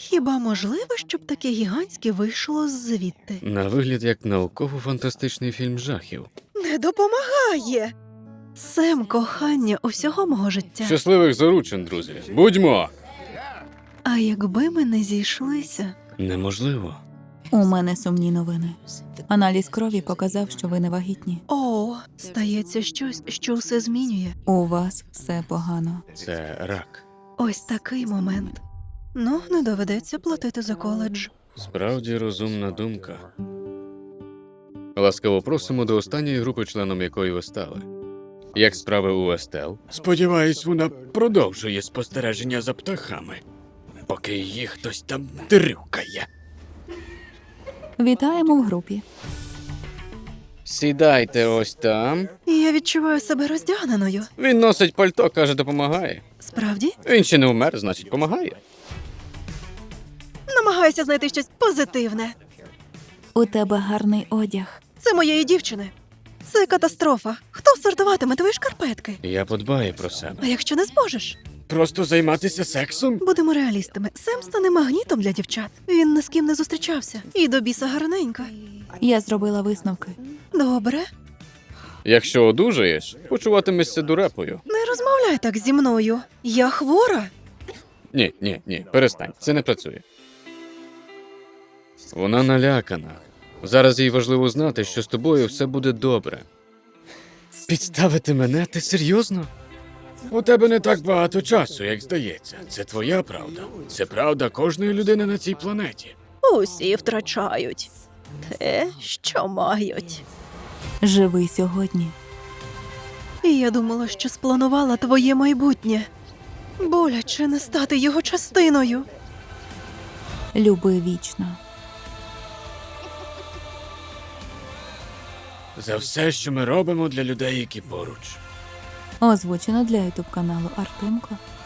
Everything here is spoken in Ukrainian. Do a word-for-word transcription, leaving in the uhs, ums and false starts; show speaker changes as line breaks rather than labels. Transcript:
Хіба можливо, щоб таке гігантське вийшло звідти?
На вигляд як науково-фантастичний фільм жахів.
Не допомагає. Сем, кохання усього мого життя.
Щасливих заручин, друзі. Будьмо!
А якби ми не зійшлися?
Неможливо.
У мене сумні новини. Аналіз крові показав, що ви не вагітні.
О, стається щось, що все змінює.
У вас все погано.
Це рак.
Ось такий момент. Ну, не доведеться платити за коледж.
Справді розумна думка. Ласкаво просимо до останньої групи, членом якої ви стали. Як справи у Естел? Сподіваюсь, вона продовжує спостереження за птахами, поки її хтось там дрюкає.
Вітаємо в групі.
Сідайте ось там.
Я відчуваю себе роздягненою.
Він носить пальто, каже, допомагає.
Справді?
Він ще не вмер, значить, помагає.
Намагаюся знайти щось позитивне.
У тебе гарний одяг.
Це моєї дівчини. Це катастрофа. Хто сортуватиме твої шкарпетки?
Я подбаю про себе.
А якщо не зможеш?
Просто займатися сексом?
Будемо реалістами. Сем стане магнітом для дівчат. Він ні з ким не зустрічався. І до біса гарненька.
Я зробила висновки.
Добре.
Якщо одужаєш, почуватимешся дурепою.
Не розмовляй так зі мною. Я хвора.
Ні, ні, ні, перестань, це не працює. Вона налякана. Зараз їй важливо знати, що з тобою все буде добре. Підставити мене? Ти серйозно? У тебе не так багато часу, як здається. Це твоя правда. Це правда кожної людини на цій планеті.
Усі втрачають те, що мають.
Живи сьогодні.
І я думала, що спланувала твоє майбутнє. Боляче не стати його частиною.
Люби вічно.
За все, що ми робимо для людей, які поруч.
Озвучено для ютуб каналу Артемко.